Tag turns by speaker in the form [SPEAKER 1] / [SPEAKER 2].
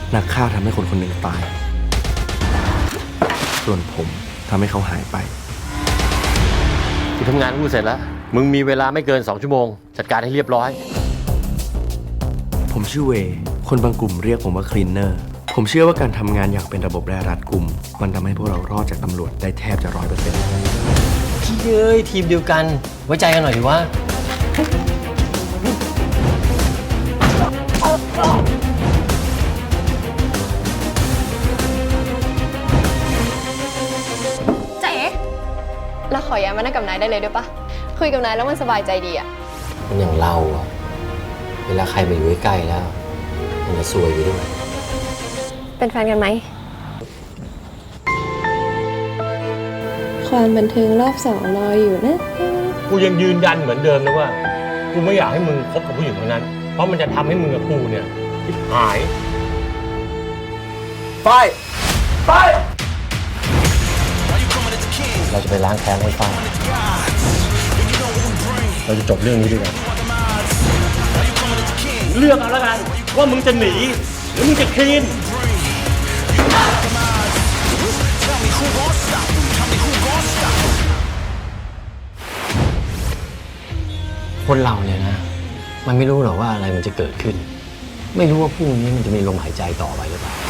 [SPEAKER 1] นักฆ่าทำให้คนคนหนึ่งตาย ส่วนผมทำให้เขาหายไป
[SPEAKER 2] กูทำงานกูเสร็จแล้ว มึงมีเวลาไม่เกิน2 ชั่วโมง จัดการให้เรียบร้อย
[SPEAKER 1] ผมชื่อเวย์คนบางกลุ่มเรียกผมว่าคลีนเนอร์ ผมเชื่อว่าการทำงานอย่างเป็นระบบและรัดกุม มันทำให้พวกเรารอดจากตำรวจได้แทบจะ100%
[SPEAKER 2] เฮ้ยทีมเดียวกัน ไว้ใจกันหน่อยดิว่า
[SPEAKER 3] เจ๊เราขอย้ายมานั่งกับนายได้เลยด้วยปะคุยกับนายแล้วมันสบายใจดีอะ
[SPEAKER 2] มันอย่างเราอะเวลาใครมาอยู่ใกล้ๆแล้ว มันจะซวยอยู่ด้วย
[SPEAKER 3] เป็นแฟนกันไหม
[SPEAKER 4] ความบันเทิงรอบ2รออยู่นะ
[SPEAKER 5] กูยังยืนยันเหมือนเดิมนะว่า กูไม่อยากให้มึงคบกับผู้หญิงคนนั้น เพราะมันจะทำให้มึงกับกูเนี่ยชิบหาย
[SPEAKER 2] เราจะไปล้างแค้นให้ฟ้าเราจะจบเรื่องนี้ด้วยกัน
[SPEAKER 5] เลือกเอาแล้วกัน ว่ามึงจะหนี หรือมึงจะคลีน
[SPEAKER 2] คนเราเนี่ยนะ มันไม่รู้หรอกว่าอะไรมันจะเกิดขึ้น ไม่รู้ว่าพรุ่งนี้มันจะมีลมหายใจต่อไปหรือเปล่า